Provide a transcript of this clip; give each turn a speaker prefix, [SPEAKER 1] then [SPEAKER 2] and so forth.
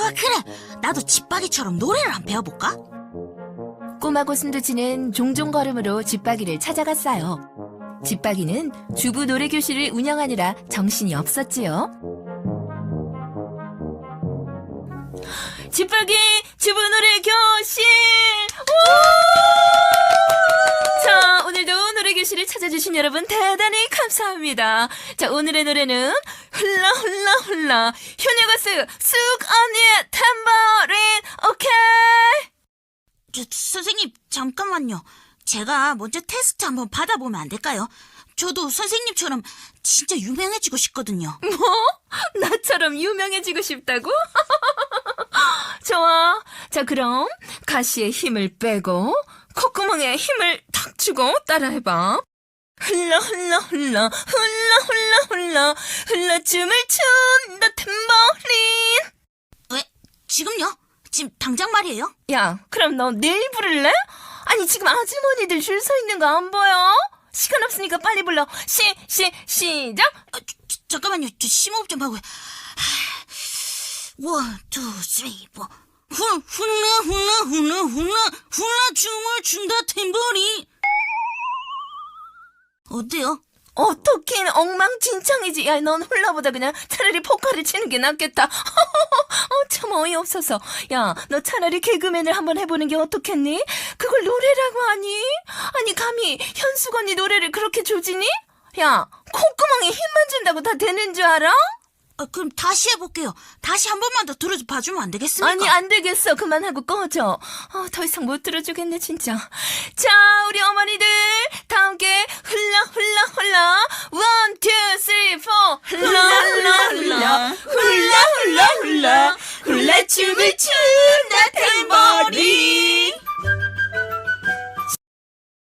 [SPEAKER 1] 그래. 나도 집박이처럼 노래를 한번 배워볼까?
[SPEAKER 2] 꼬마 고슴도치는 종종 걸음으로 집박이를 찾아갔어요. 집박이는 주부 노래교실을 운영하느라 정신이 없었지요. 집박이 주부 노래교실! 자, 오늘도 노래교실을 찾아주신 여러분 대단히 감사합니다. 자, 오늘의 노래는 훌라 훌라 훌라 효녀가수 쑥 언니의 탬버린 오케이!
[SPEAKER 1] 선생님, 잠깐만요. 제가 먼저 테스트 한번 받아보면 안 될까요? 저도 선생님처럼 진짜 유명해지고 싶거든요.
[SPEAKER 2] 뭐? 나처럼 유명해지고 싶다고? 좋아. 자, 그럼 가시에 힘을 빼고 콧구멍에 힘을 탁 주고 따라해봐. 흘러 흘러 흘러 흘러 흘러 흘러 흘러 춤을 춘다 탬버린.
[SPEAKER 1] 왜? 지금요? 지금 당장 말이에요?
[SPEAKER 2] 야, 그럼 너 내일 부를래? 아니, 지금 아주머니들 줄 서 있는 거 안 보여? 시간 없으니까 빨리 불러. 시작!
[SPEAKER 1] 잠깐만요. 저 심호흡 좀 하고요. 원, 투, 쓰리, 포. 훌라 훌라 훌라 훌라 춤을 춘다 탬버린. 어때요?
[SPEAKER 2] 어떻긴 엉망진창이지. 야, 넌 훌라보다 그냥 차라리 포카를 치는 게 낫겠다. 참 어이없어서. 야, 너 차라리 개그맨을 한번 해보는 게 어떻겠니? 그걸 노래라고 하니? 아니, 감히 현숙 언니 노래를 그렇게 조지니? 야, 콧구멍에 힘만 준다고 다 되는 줄 알아?
[SPEAKER 1] 그럼 다시 해볼게요. 다시 한 번만 더 들어봐주면 안 되겠습니까?
[SPEAKER 2] 아니, 안 되겠어. 그만하고 꺼져. 더 이상 못 들어주겠네, 진짜. 자, 우리 어머니들, 다 함께 흘러, 흘러, 흘러. 원, 투, 쓰리, 포. 흘러, 흘러, 흘러. 흘러, 흘러, 흘러. 흘러 춤을 춘다